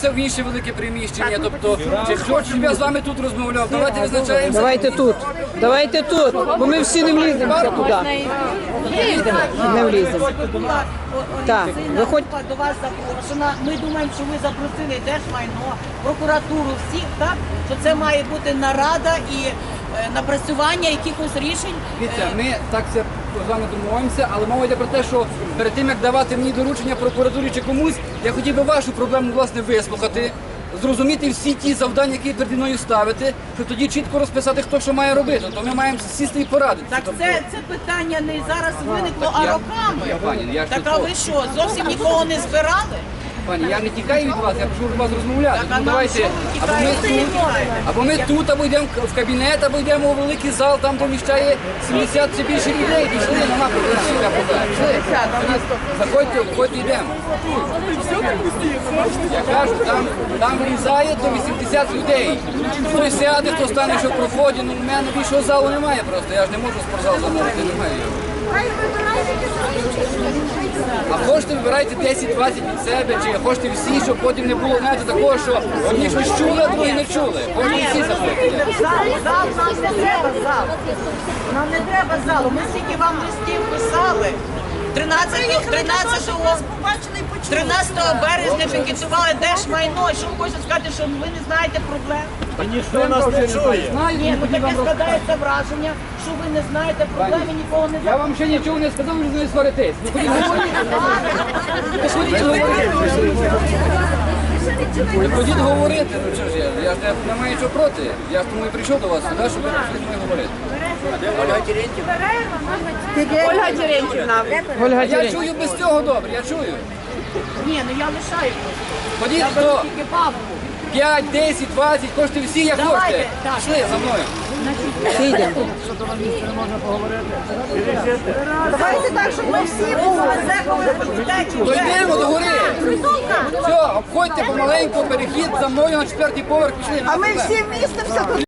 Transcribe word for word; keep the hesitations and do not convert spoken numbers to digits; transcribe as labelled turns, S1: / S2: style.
S1: переноситься в інше велике приміщення. Тобто, чи хочу, щоб я з вами тут розмовляв, давайте визначаємося.
S2: Давайте тут, давайте тут, бо ми всі не вліземося туди. Не вліземо. Так, виходь.
S3: До вас запрошена. Ми думаємо, що ви запросили Держмайно, прокуратуру, всіх, так? Що це має бути нарада і е, напрацювання якихось рішень.
S1: Дивіться, ми так це з вами домовимося, але мова йде про те, що перед тим, як давати мені доручення прокуратурі чи комусь, я хотів би вашу проблему, власне, вислухати, зрозуміти всі ті завдання, які переді мною ставити, щоб тоді чітко розписати, хто що має робити. То ми маємо сісти і порадити.
S3: Так це, це питання не зараз виникло, а
S1: я-
S3: роками.
S1: я, пані, я ж
S3: Так
S1: не
S3: а
S1: то.
S3: ви що, зовсім нікого не збирали?
S1: Пані, я не тікаю від вас, я прошу вас розмовляти.
S3: Так, а
S1: Тому
S3: нам
S1: давайте
S3: що ви
S1: або ми
S3: тікаєте?
S1: тут, або ми тут, або йдемо в кабінет, або йдемо у великий зал, там поміщає сімдесят чи більше людей. Пішли, нема проблем. яка проблема. Пішли. Заходьте, виходьте, йдемо. Я кажу, там, там влізає до вісімдесят людей. Хто сяде, хто стане, що в проході, ну в мене більшого залу немає просто. Я ж не можу спортзал замовити, немає його. А хочете вибирайте десять-двадцять від себе, чи хочете всі, щоб потім не було, знаєте, такого, що одні щось чули, а другі не чули. Хочете всі заходити.
S3: Зал, зал, нам не треба зал. Нам не треба залу. Ми стільки вам листів писали. тринадцятого березня пікетували Держмайно. Що ви хочете сказати, що ви не знаєте проблем?
S4: Ніхто нас не чує.
S1: Знаю,
S3: Ні,
S1: не
S3: ну
S1: хотів
S3: таке
S1: вам розказати.
S3: складається враження, що ви не знаєте проблем і нікого не
S1: Я вам ще нічого не сказав, ви не сваритесь. Ну ходіть говорити. Ви ходіть говорити. Ви ходіть говорити. Ну чого ж я? Я ж не, не маю нічого проти. Я ж тому і прийшов до вас сюди, щоб ви прийшли зі мною говорити.
S2: Ольга Терентьівна. Ольга
S1: А я
S2: Терентьівна.
S1: чую без цього добре, я чую.
S3: Ні, ну я лишаю.
S1: Ходіть
S3: Я беру
S1: хто
S3: тільки бабку.
S1: п'ять, десять, двадцять, хочете всі, як
S3: Давайте,
S1: хочете.
S3: так.
S1: Пішли за мною.
S2: Всі йдемо.
S3: Давайте так, щоб ми всі були.
S1: То йдемо до гори. Все, обходьте помаленьку, перехід за мною на четвертий поверх, пішли.
S3: А ми всі вмістимося тут.